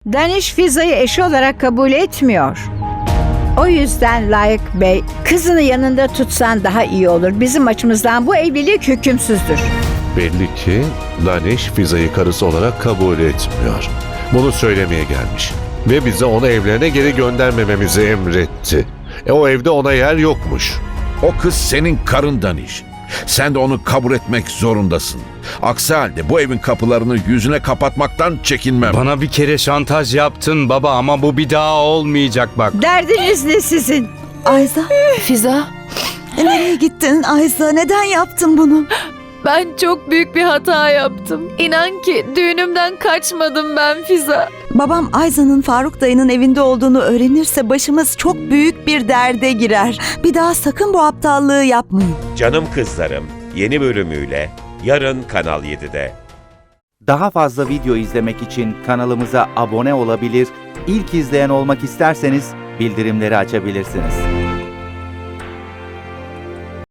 Daniş Fiza'yı eşi olarak kabul etmiyor. O yüzden Layık Bey, kızını yanında tutsan daha iyi olur. Bizim açımızdan bu evlilik hükümsüzdür. Belli ki Daniş Fiza'yı karısı olarak kabul etmiyor. Bunu söylemeye gelmiş. Ve bize onu evlerine geri göndermememizi emretti. O evde ona yer yokmuş. O kız senin karından iş. Sen de onu kabul etmek zorundasın. Aksi halde bu evin kapılarını yüzüne kapatmaktan çekinmem. Bana bir kere şantaj yaptın baba ama bu bir daha olmayacak bak. Derdiniz ne sizin? Ayza, Fiza, nereye gittin Ayza? Neden yaptın bunu? ben çok büyük bir hata yaptım. İnan ki düğünümden kaçmadım ben Fiza. Babam Ayza'nın Faruk dayının evinde olduğunu öğrenirse başımız çok büyük bir derde girer. Bir daha sakın bu aptallığı yapmayın. Canım Kızlarım yeni bölümüyle yarın Kanal 7'de. Daha fazla video izlemek için kanalımıza abone olabilir, ilk izleyen olmak isterseniz bildirimleri açabilirsiniz.